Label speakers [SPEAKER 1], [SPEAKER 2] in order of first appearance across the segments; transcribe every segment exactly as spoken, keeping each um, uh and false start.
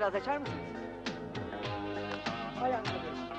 [SPEAKER 1] biraz açar mısınız? Hay arkadaş.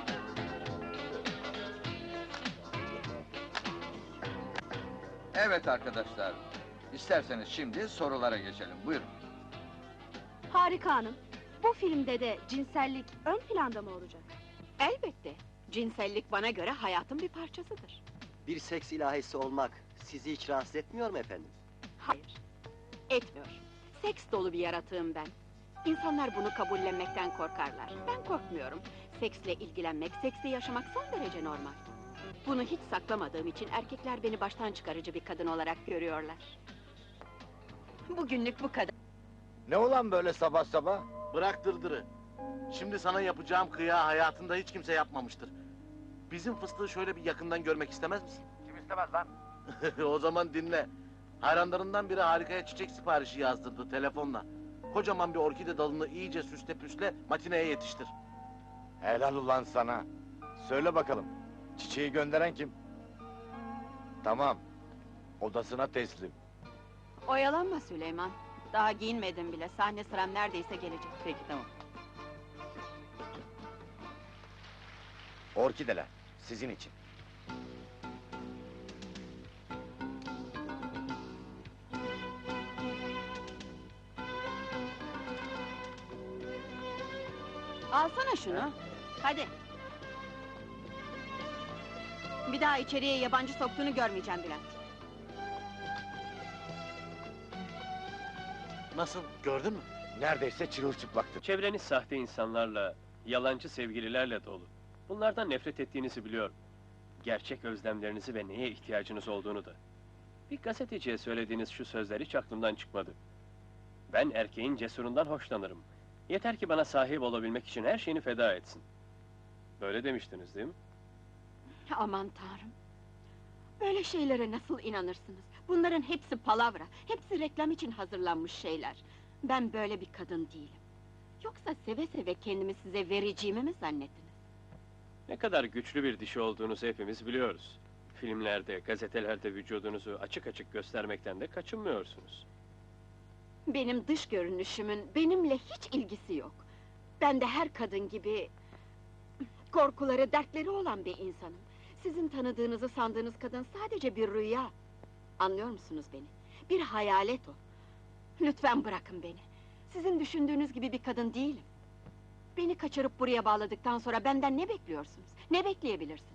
[SPEAKER 2] Evet arkadaşlar, isterseniz şimdi sorulara geçelim, buyurun.
[SPEAKER 3] Harika hanım. Bu filmde de cinsellik ön planda mı olacak?
[SPEAKER 4] Elbette. Cinsellik bana göre hayatın bir parçasıdır.
[SPEAKER 5] Bir seks ilahisi olmak sizi hiç rahatsız etmiyor mu efendim?
[SPEAKER 4] Hayır, etmiyor. Seks dolu bir yaratığım ben. İnsanlar bunu kabullenmekten korkarlar. Ben korkmuyorum. Seksle ilgilenmek, seksi yaşamak son derece normal. Bunu hiç saklamadığım için erkekler beni baştan çıkarıcı bir kadın olarak görüyorlar. Bugünlük bu kadar.
[SPEAKER 6] Ne olan böyle sabah sabah?
[SPEAKER 7] Bırak dırdırı. Şimdi sana yapacağım kıya hayatında hiç kimse yapmamıştır. Bizim fıstığı şöyle bir yakından görmek istemez misin?
[SPEAKER 6] Kim istemez lan?
[SPEAKER 7] O zaman dinle. Hayranlarından biri Harika'ya çiçek siparişi yazdırdı telefonla. Kocaman bir orkide dalını iyice süsle püsle matineye yetiştir.
[SPEAKER 6] Helal ulan sana. Söyle bakalım, çiçeği gönderen kim? Tamam, odasına teslim.
[SPEAKER 4] Oyalanma Süleyman. Daha giyinmedim bile. Sahne sıram neredeyse gelecek.
[SPEAKER 1] Peki, tamam.
[SPEAKER 6] Orkideler, sizin için.
[SPEAKER 4] Alsana şunu. Hadi. Bir daha içeriye yabancı soktuğunu görmeyeceğim Bülent.
[SPEAKER 7] Nasıl, gördün mü?
[SPEAKER 6] Neredeyse çırılçıplaktı.
[SPEAKER 8] Çevreniz sahte insanlarla, yalancı sevgililerle dolu. Bunlardan nefret ettiğinizi biliyorum. Gerçek özlemlerinizi ve neye ihtiyacınız olduğunu da. Bir gazeteciye söylediğiniz şu sözler hiç aklımdan çıkmadı. Ben erkeğin cesurundan hoşlanırım. Yeter ki bana sahip olabilmek için her şeyini feda etsin. Böyle demiştiniz değil mi?
[SPEAKER 4] Aman Tanrım! Böyle şeylere nasıl inanırsınız? Bunların hepsi palavra, hepsi reklam için hazırlanmış şeyler. Ben böyle bir kadın değilim. Yoksa seve seve kendimi size vereceğimi mi zannettiniz?
[SPEAKER 8] Ne kadar güçlü bir dişi olduğunuzu hepimiz biliyoruz. Filmlerde, gazetelerde vücudunuzu açık açık göstermekten de kaçınmıyorsunuz.
[SPEAKER 4] Benim dış görünüşümün benimle hiç ilgisi yok. Ben de her kadın gibi... korkuları, dertleri olan bir insanım. Sizin tanıdığınızı sandığınız kadın sadece bir rüya. Anlıyor musunuz beni? Bir hayalet o. Lütfen bırakın beni. Sizin düşündüğünüz gibi bir kadın değilim. Beni kaçırıp buraya bağladıktan sonra benden ne bekliyorsunuz? Ne bekleyebilirsiniz?